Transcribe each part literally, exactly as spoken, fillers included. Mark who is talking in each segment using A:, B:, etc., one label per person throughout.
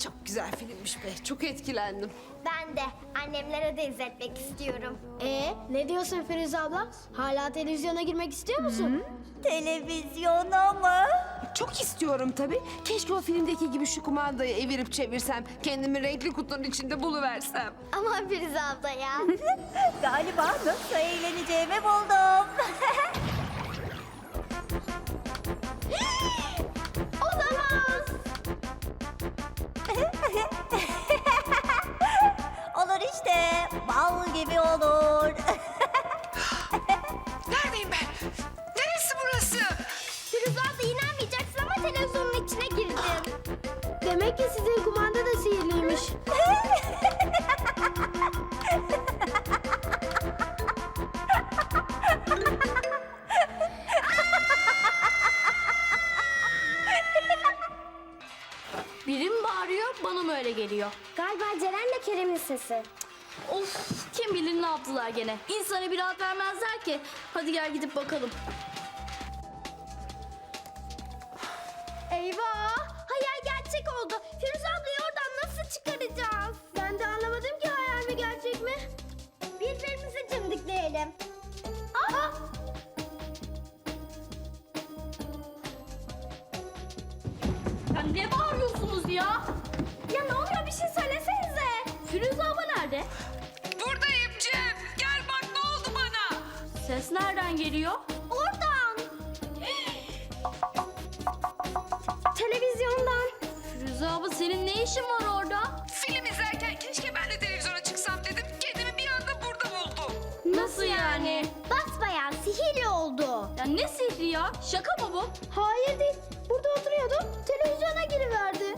A: Çok güzel filmmiş be. Çok etkilendim.
B: Ben de annemlere de izletmek istiyorum.
C: Ee, ne diyorsun Firuze abla? Hala televizyona girmek istiyor musun?
D: Televizyona mı?
A: Çok istiyorum tabii. Keşke o filmdeki gibi şu kumandayı evirip çevirsem. Kendimi renkli kutunun içinde buluversem.
B: Ama Firuze abla ya.
D: Galiba nasıl eğleneceğimi buldum.
B: Olamaz.
D: Olur işte. Bal gibi olur.
A: Neredeyim ben? Neresi burası?
B: Firuze abla inanmayacaksın ama televizyonun içine girdin.
C: Demek ki sizin kumanda da sihirliymiş.
E: Biri mi bağırıyor, bana mı öyle geliyor?
B: Galiba Ceren'le Kerem'in sesi.
E: Of, kim bilir ne yaptılar gene. İnsana bir rahat vermezler ki. Hadi gel gidip bakalım.
B: Eyvah! Hayal gerçek oldu. Firuze ablayı oradan nasıl çıkaracağız?
C: Ben de anlamadım ki hayal mi gerçek mi?
B: Birbirimizi cimdikleyelim.
C: Aa!
E: Ya ne bağırıyorsunuz ya?
B: Ya ne oluyor, bir şey söylesenize.
E: Firuze abla nerede?
A: Buradayım Cem. Gel bak ne oldu bana.
E: Ses nereden geliyor?
B: Oradan. Televizyondan.
E: Firuze abla senin ne işin var orada?
A: Film izlerken keşke ben de televizyona çıksam dedim. Kendimi bir anda burada buldum.
E: Nasıl yani?
B: Basbayağı sihirli oldu.
E: Ya ne sihri ya? Şaka mı bu?
C: Hayır değil. Burada oturuyordum. Televizyona giriverdi.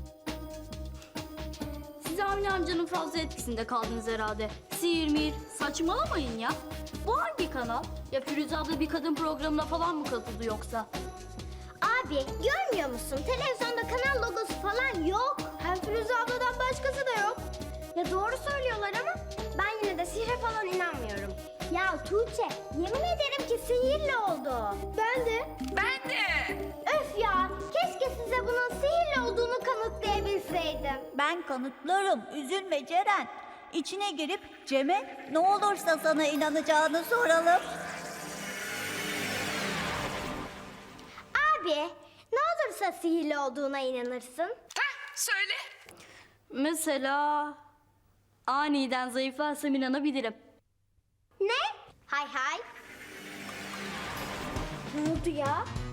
E: Siz Avni amcanın fazla etkisinde kaldınız herhalde. Sihir mihir saçmalamayın ya. Bu hangi kanal? Ya Firuze abla bir kadın programına falan mı katıldı yoksa?
B: Abi görmüyor musun? Televizyonda kanal logosu falan yok.
C: Hem Firuze abladan başkası da yok.
B: Ya doğru söylüyorlar ama ben yine de sihre falan inanmıyorum. Ya Tuğçe, yemin ederim ki sihirli oldu.
C: Ben de.
A: Ben de.
B: Öf ya, keşke size bunun sihirli olduğunu kanıtlayabilseydim.
D: Ben kanıtlarım. Üzülme Ceren. İçine girip Cem'e ne olursa sana inanacağını soralım.
B: Abi, ne olursa sihirli olduğuna inanırsın.
A: Heh, söyle.
E: Mesela aniden zayıflarsam inanabilirim.
B: Ne? Hay hay. Ne oldu ya?